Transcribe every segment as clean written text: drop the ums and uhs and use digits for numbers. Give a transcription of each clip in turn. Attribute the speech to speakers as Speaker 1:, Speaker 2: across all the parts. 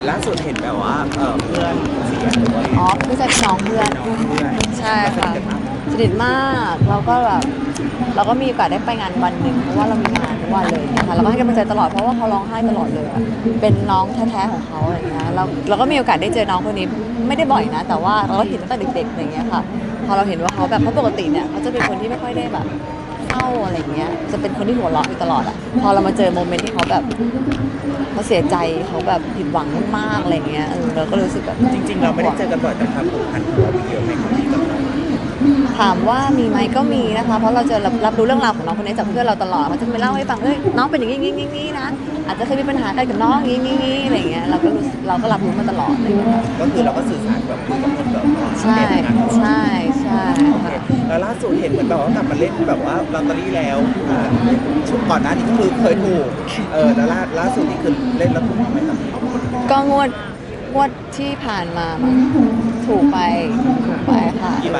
Speaker 1: ล่าสุดเห็นแบบว่าเพื่อนเสียด้วย
Speaker 2: อ๋อไม่ใช่น้องเพื่อนใช่ค่ะสนิทมากเราก็แบบเราก็มีโอกาสได้ไปงานวันหนึ่งเพราะว่าเรามีงานทุกวันเลยนะคะเราก็ให้กำลังใจตลอดเพราะว่าเขาร้องไห้ตลอดเลยอะเป็นน้องแท้ๆของเขาอะไรเงี้ยเราก็มีโอกาสได้เจอน้องคนนี้ไม่ได้บ่อยนะแต่ว่าเราก็เห็นตั้งแต่เด็กๆอะไรเงี้ยค่ะพอเราเห็นว่าเขาแบบเพราะปกติเนี่ยเขาจะเป็นคนที่ไม่ค่อยได้แบบเศร้าอะไรเงี้ยจะเป็นคนที่หัวเราะอยู่ตลอดอะพอเรามาเจอโมเมนต์ที่เขาแบบเขาเสียใจเขาแบบผิดหวังมากๆอะไรเงี้ยเราก็รู้สึกแบบ
Speaker 1: จริงๆเราไม่ได้เจอกันบ่อยแต่ความผูกพันของเราเยอะไหมครับพี่กับน้อง
Speaker 2: ถามว่ามีไหมก็มีนะคะเพราะเราจะรับรู้เรื่องราวของน้องคนนี้จากเพื่อนเราตลอดเขาจะไปเล่าให้ฟังน้องเป็นอย่างนี้นะอาจจะเคยมีปัญหากันกับน้องอย่างนี้อะไรเงี้ยเราก็รับรู้มาตลอดเลย
Speaker 1: ก็คือเราก็สื่อสารแบบคุยกับคนแบบ
Speaker 2: ใช่ใช่ใช่ค่ะ
Speaker 1: แล้วล่าสุดเห็นเหมือนแบบว่ากลับมาเล่นแบบว่าลอตเตอรี่แล้วชุดก่อนหน้านี้ก็คือเคยถูกแล้วล่าสุดนี่คือเล่นแล้วถูกไหมครับ
Speaker 2: ก็งวดที่ผ่านมามั้งถูกไปค่ะ
Speaker 1: กี่ใบ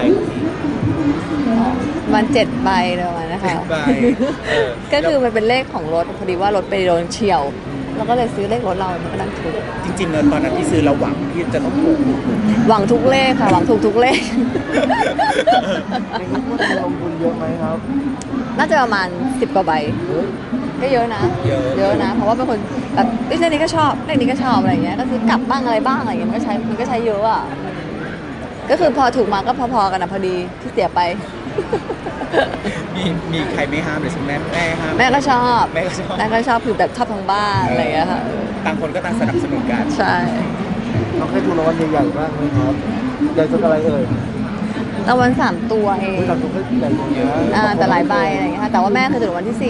Speaker 2: มัน7 ใบเลยวันนะคะ
Speaker 1: ใบ
Speaker 2: ก็คือมันเป็นเลขของรถพอดีว่ารถไปโดนเฉี่ยวเราก็เลยซื้อเลขรถเรามันก็ดังถูก
Speaker 1: จริงๆตอนนั้นที่ซื้อเราหวังที่จะต้องถูก
Speaker 2: หวังทุกเลขค่ะหวังถูกทุกเลข
Speaker 3: ในนี้พูดลงทุนเยอะไหมครับ
Speaker 2: น่าจะประมาณ10 กว่าใบก็เยอะนะเยอะนะเพราะว่าเป็นคนแบบเลขนี้ก็ชอบเลขนี้ก็ชอบอะไรเงี้ยก็ซื้อกลับบ้างอะไรบ้างอะไรเงี้ยมันก็ใช้เยอะอ่ะก็คือพอถูกมาก็พอๆกันนะพอดีที่เสียไป
Speaker 1: มีใครไม่ห้ามเลยใช่ไหมแม่ห้าม
Speaker 2: แม่ก็ชอบ
Speaker 1: แม่ก็ชอบ
Speaker 2: คือแบบชอบทั้งบ้านอะไรเงี้ยค่ะ
Speaker 1: ต่างคนก็ต่างสนับสนุนกัน
Speaker 2: ใช่
Speaker 3: เราเคยถูกรางวัลใหญ่ๆบ้างไหมครับใหญ่จนอะไรเอ่ย
Speaker 2: รางวัล3 ตัวเอง
Speaker 3: เราถูกใหญ่เยอะ
Speaker 2: แต่หลายใบอะไรอย่างเงี้ยค่ะแต่ว่าแม่เคยถูกรางวัลที่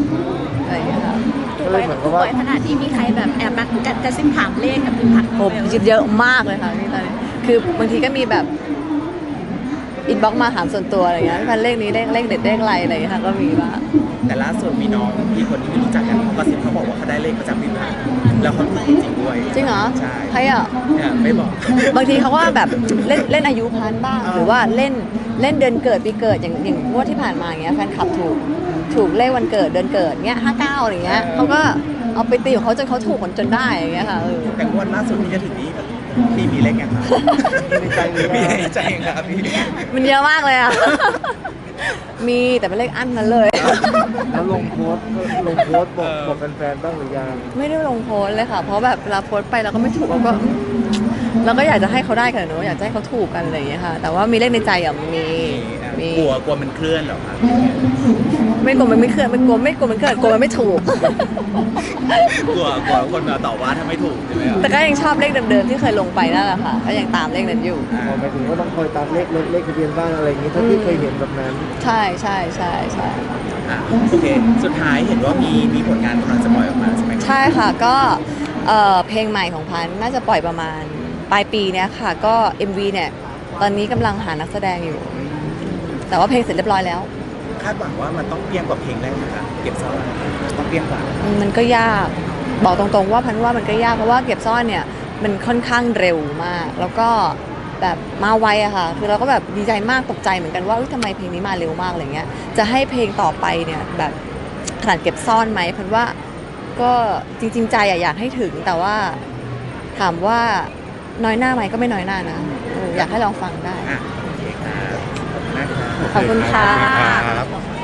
Speaker 2: 4อะไรอย่างเงี้ยค่ะ
Speaker 3: ก็เลยเหมือนกับว่า
Speaker 4: ขนาดที่มีใครแบบแอบมากระซิบถามเลขกับพี่ผัด
Speaker 2: โอ้เยอะมากเลยค่ะนี่ตอนนี้คือบางทีก็มีแบบอินบ็อกมาถามส่วนตัวอะไรเงี้ยพันเลขนี้เลขเด็ดเลขอะไรอะไรอย่างเงี้ยค่ะก็มีบ้าง
Speaker 1: แต่ล่าสุดมีน้องพี่คนที่ไม่รู้จักกันเขากระซิบเขาบอกว่าเขาได้เลขประจำปีผ่านแล้วเขาถูกจริงด้วย
Speaker 2: จริงเหรอ
Speaker 1: ใช่
Speaker 2: ใครอ่ะ
Speaker 1: ไม่บอก
Speaker 2: บางทีเขาว่าแบบเล่นอายุพันบ้างหรือว่าเล่นเดือนเกิดปีเกิดอย่างงวดที่ผ่านมาอย่างเงี้ยแฟนคลับถูกเลขวันเกิดเดือนเกิดเงี้ย59อะไรเงี้ยเขาก็เอาไปตีของเขาจนเขาถูกจนได้อย่างเงี้ยค่ะ
Speaker 1: แต่งวดล่าสุดที่จะถึงนี้พี่มีเลขยังครับมีในใจครับพี่
Speaker 2: มันเยอะมากเลยอ่ะมีแต่เป็นเลขอั้นนั้นเลย
Speaker 3: แล้วลงโพสต์บอกแฟนๆบ้างหรือยัง
Speaker 2: ไม่ได้ลงโพสเลยค่ะเพราะแบบเวลาโพสไปเราก็ไม่ถูกเราก็อยากจะให้เขาได้กันเนอะอยากจะให้เขาถูกกันอะไรอย่างเงี้ยค่ะแต่ว่ามีเลขในใจอ่ะมี
Speaker 1: กลัวมันเคลื่อนหรอครับ
Speaker 2: ไม่กลัวมันไม่เคลื่อนไม่กลัวมันเคลื่อนกลัวมันไม่ถูก
Speaker 1: กลัวคนมาต่อว่าถ้าไม่ถูกใช่ไหมครับ
Speaker 2: แต่ก็ยังชอบเลขเดิมๆที่เคยลงไปนั่นแหละค่ะก็ยังตามเลขนั้นอยู่
Speaker 3: หมายถึงว่าต้องคอยตามเลขรถเลขทะเบียนบ้านอะไรอย่างนี้ถ้าที่เคยเห็นแบบนั้น
Speaker 2: ใช่
Speaker 1: โอเคสุดท้ายเห็นว่ามีผลงานกำลังจะปล่อยออกมาใช่ไหม
Speaker 2: ใช่ค่ะก็เพลงใหม่ของพันน่าจะปล่อยประมาณปลายปีเนี้ยค่ะก็ MV เนี่ยตอนนี้กำลังหานักแสดงอยู่แต่ว่าเพลงเสร็จเรียบร้อยแล้ว
Speaker 1: คาดหวังว่ามันต้องเปรี้ยงกว่าเพลงแรกนะคะเก็บซ่อนต้องเปรี้ยงกว่า
Speaker 2: มันก็ยากบอกตรงๆว่าพันว่ามันก็ยากเพราะว่าเก็บซ่อนเนี่ยมันค่อนข้างเร็วมากแล้วก็แบบมาไวอะค่ะคือเราก็แบบดีใจมากตกใจเหมือนกันว่าทำไมเพลงนี้มาเร็วมากอะไรเงี้ยจะให้เพลงต่อไปเนี่ยแบบขนาดเก็บซ่อนไหมพันว่าก็จริงๆใจอยากให้ถึงแต่ว่าถามว่าน้อยหน้าไหมก็ไม่น้อยหน้านะอยากให้ลองฟังได้
Speaker 1: โอเคครับ
Speaker 2: ขอบคุณค่ะ